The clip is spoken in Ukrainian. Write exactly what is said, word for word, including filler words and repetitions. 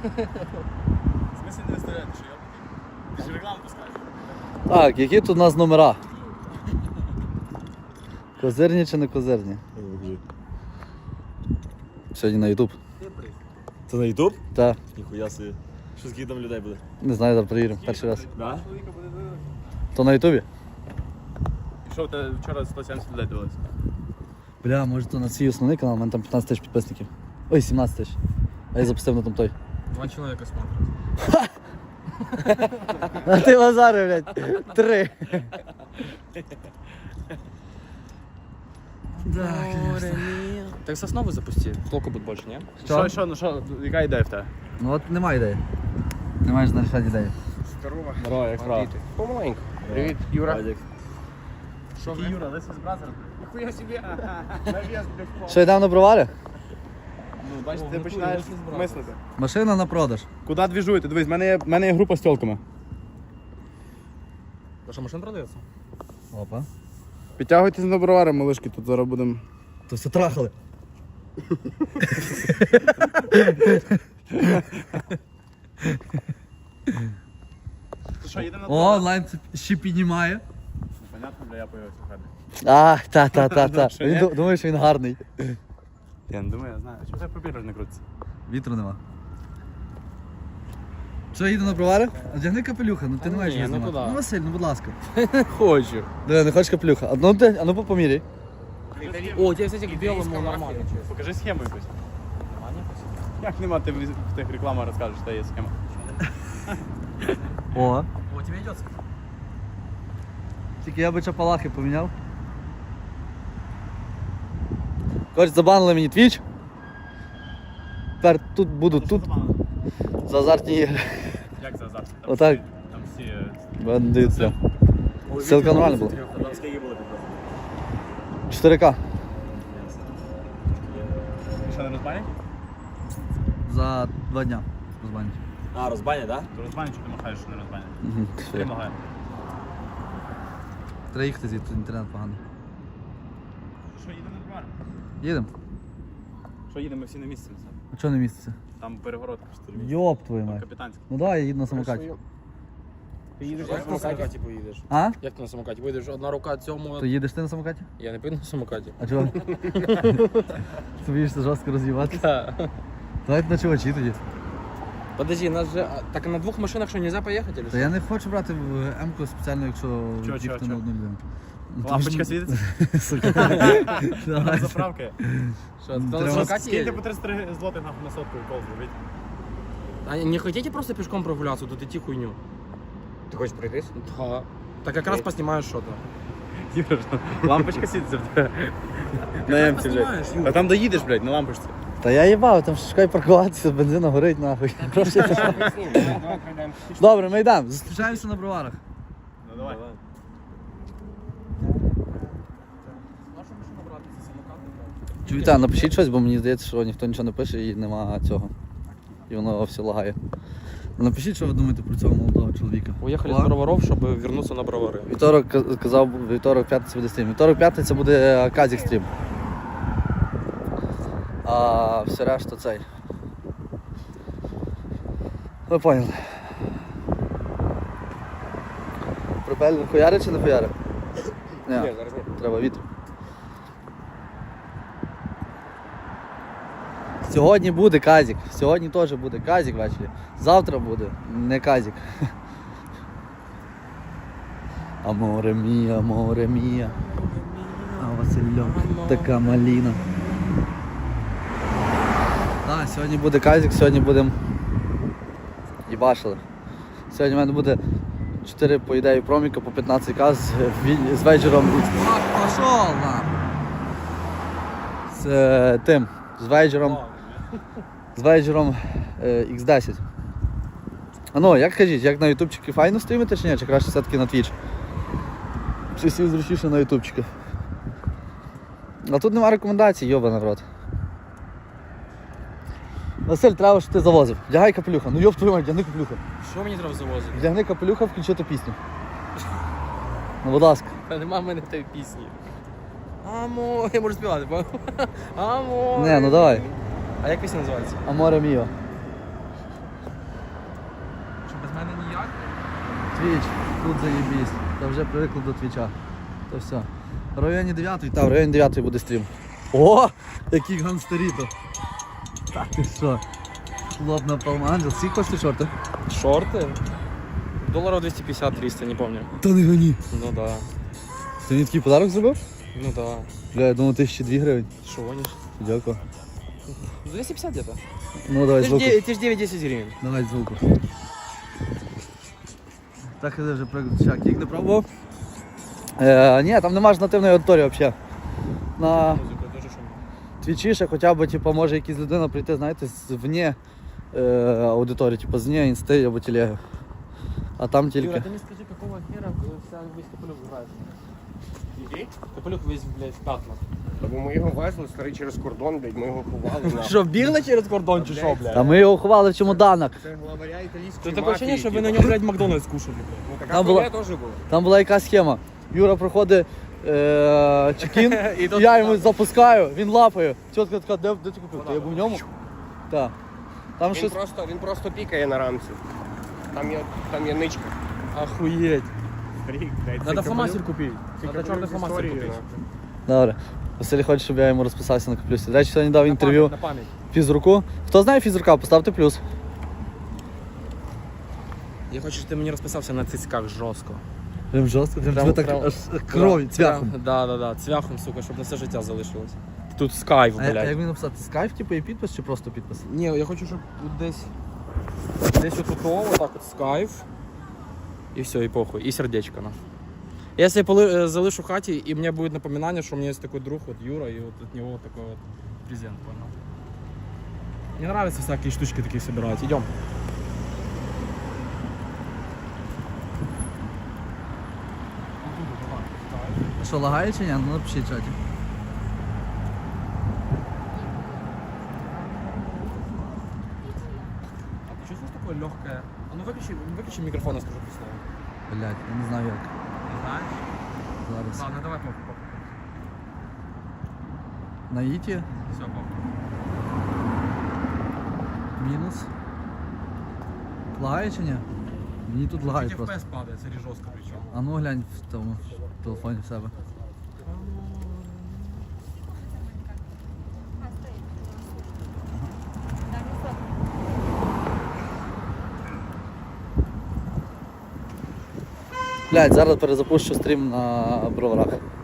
В смысле не виставляти, що я? Ти ж рекламу пускаєш. Так, які тут у нас номера? Козирні чи не козирні? Сьогодні на ютуб. Це на ютуб? Так. Ніхуя собі. Що скільки там людей буде? Не знаю, зараз перевіримо. Перший раз. Да? То на ютубі? Пішов, ти вчора сто сімдесят людей дивилися. Бля, може то на свій основний канал, у мене там п'ятнадцять тисяч підписників. Ой, сімнадцять тисяч. А я запустив на там той. Два чоловіка смотрять. А ти Лазари, блядь. Три. Так соснову запусти, толку буде більше, ні? Що, що, ну що, яка ідея в тебе? Ну от немає ідеї. Не маєш нарішати ідеї. Здорово, як справа? Помаленьку. Привіт, Юра. Радік. Що, Юра, лисий з бразером? Ніхуя собі, нав'яз, блядь, Що, йдемо на бровари? Ну, бачиш, ти починаєш мислити. Машина на продаж. Куди двіжуєте? Дивись, в мене є, в мене є група з тілками. Ваша машина продається? Опа. Підтягуйтесь на бровари, малишки, тут зараз будемо. То все трахали. Що, їдемо на О, онлайн ще піднімає. Понятно, бля, я появився в хаті. А, та, та, та, та. Що, Він ні? ду- думає, що він гарний. Я не думаю, я знаю. Чому тебе папір не крутиться? Вітру нема. Що, їду на бровари? Одягни капелюха, ну ти не маєш ні, його ну знімати. куди? Ну, Василь, ну будь ласка. Хочу. Диви, не хочеш капелюха? А ну, ти, а ну поміряй. О, у тебя, кстати, к белому нормально. Покажи схему якусь. Як нема, ти в в тих рекламах розкажеш, що є схема. О. О, тебе идет. Тільки я би чапалахи поміняв. Коротше, забанили мені твіч. Тепер тут буду, тут за азартні ігри. Як це завтра? Отак. Там всі... е, Бандиться. Ссылка нормальна була. Там скільки було підписано? чотири ка. Ти що, не розбанять? За два дня розбанять. А, розбаня, так? То розбанять, що ти махаєш, що не розбанять? Угу. Ти махаєш. Треба їхати звідти, інтернет поганий. Що, їдемо на бровари? Їдемо. Що, їдемо всі на місці? А чого не міститься? Там перегородка чотири місця. Йоп твою мать. Капітанська. Ну давай, я їду на самокаті. Ти їдеш Як на самокаті поїдеш? А? Як ти на самокаті? Вийдеш одна рука цьому. То їдеш ти на самокаті? Я не поїду на самокаті. А чого? Ти боїшся жорстко роз'їбатися? Да. Давайте на чувачі тоді. Подожди, нас же... а, так на двох машинах що, нельзя поїхати? Или Та що? я не хочу брати в М-ку спеціально, якщо Чого, їхати чого, на одну людину. Ну, тому Лампочка що- світиться? Сука. Давай. Заправки. Що, ти на Треба самокаті Скиньте їдеш? по тридцять три злотих нахуй на сотку і кол зробіть. А не хотите просто пешком прогуляться, тут идти хуйню? Ти хочеш пройтись? Да. Так как раз поснимаешь что-то. Юра, лампочка світиться в тебе. На М-ці, блядь. А там доїдеш, блядь, на лампочці. Та я їбав, там шукай паркуватися, бензина горить нахуй. Гроші пішли. Добре, ми йдемо. Зустрічаємося на броварах. Ну давай. Чуєте, напишіть щось, бо мені здається, що ніхто нічого не пише і нема цього. І воно все лагає. Напишіть, що ви думаєте про цього молодого чоловіка. Уехали Ладно. с Броваров, чтобы вернуться на Бровары. Вівторок ка- казав, вівторок, п'ятниця буде стрім. Вівторок, п'ятниця буде казік стрім. А все решта цей. Ви поняли. Пропелер хуяри чи не хуяри? Ні, Ні, зараз ні. треба вітер. Сьогодні буде казік. Сьогодні теж буде казік ввечері. Завтра буде не казік. Аморе мія, аморе мія. А Васильок, така маліна. Так, сьогодні буде казік, сьогодні будемо їбашили. Сьогодні в мене буде чотири, по ідеї, проміка по п'ятнадцять ка з, ві- з вейджером. Пошов нам! З е, тим, з вейджером. З вейджером е, ікс десять. А ну, як кажіть, як на ютубчики файно стрімити чи ні? Чи краще все-таки на твіч? Чи всі зручніше на ютубчики? А тут нема рекомендацій, йоба народ. Василь, треба, щоб ти завозив. Вдягай капелюха. Ну йоб твою мать, вдягни капелюха. Що мені треба завозити? Вдягни капелюха, включити пісню. Ну, будь ласка. Та нема в мене тієї пісні. Амо, я можу співати, бо. Амо. Не, ну давай. А як пісня називається? Аморе міо. Твіч, тут заєбісь. Та вже привикли до твіча. То все. В районі дев'ятої, та в районі дев'ятої буде стрім. О! Який гангстеріто. Та ти що? Хлоп на Палманджел. Скільки коштує шорти? Шорты? Долларов двести пятьдесят триста, не помню. Та не гоні. Ну да. Ти мені такий подарок зробив? Ну да. Бля, я думав, тисяча дві гривень. Что гонишь? Дякую. двести пятьдесят где-то. Ну давай Ты ж звуку. де- ты ж девять-десять гривен. Давай звуку. Так я вже приготував. Кік не пробував? Е, ні, там нема ж нативної аудиторії взагалі. На Музыка тоже шумно. твічі ще хоча б типу, може якась людина прийти, знаєте, з вне е, аудиторії, типу з вне інсти або телеги. А там тільки. Юра, ты мне скажи, какого хера вся весь Капелюх играет? Який? Капелюх весь, блядь, в пятнах. Бо ми його везли, старий, через кордон, блядь, ми його ховали на... Что, бігли через кордон чи що, блядь? Та ми його ховали в чемоданах. Це главаря італійської Тут такое ощущение, мафії, что вы на типу. нем, блядь, Макдональдс кушали, блядь. Ну, така Там була- хуйня теж була. Там була якась схема. Юра проходить е, чекін, І і тут я йому запускаю, він лапає. Тітка така, де, де ти купив? Та я був в ньому. Так. Там Він щось. просто, він просто пікає на рамці. Там є, там є ничка. Охуеть. Рік, блядь, Надо це фломастер купить. Це Надо черный капелюх з фломастер історією, купить. нахуй. Добре. Василь хоче, щоб я йому розписався на каплюсі. До речі, сьогодні дав На інтерв'ю память, на память. фізруку. Хто знає фізрука, поставте плюс. Я хочу, щоб ти мені розписався на цицьках жорстко. Прям жорстко, прям, Прям- тебе так прям- аж крові, цвяхом. Прям- Да, да, да, цвяхом, сука, щоб на все життя залишилось. Тут скайф, А, а як блядь. мені написати? Скайф, типу, і підпис чи просто підпис? Ні, я хочу, щоб тут десь. Десь отут, отак от скайф. І все, і похуй. І сердечко, на. Я себе поли- э, залишу в хаті, і мені буде напоминання, що у мене є такий друг, от Юра, і от від нього такой от презент, понял? Мне нравятся всякие штучки такие собирать. Идем. А що, лагає чи ні? Ну напишіть в чаті. А ты чувствуешь такое легкое? А ну выключи, выключи микрофон, я скажу по слову. Блять, я не знаю як. Не знаешь? Зараз. Ладно, давай похуй, похуй. На іті Все, похуй. мінус. Лагає чи ні? Мені тут лагає Эф просто. пи эс падает, смотри, жестко причем. А ну глянь в тому в телефоні в себе. Блять, зараз перезапущу стрім на броварах.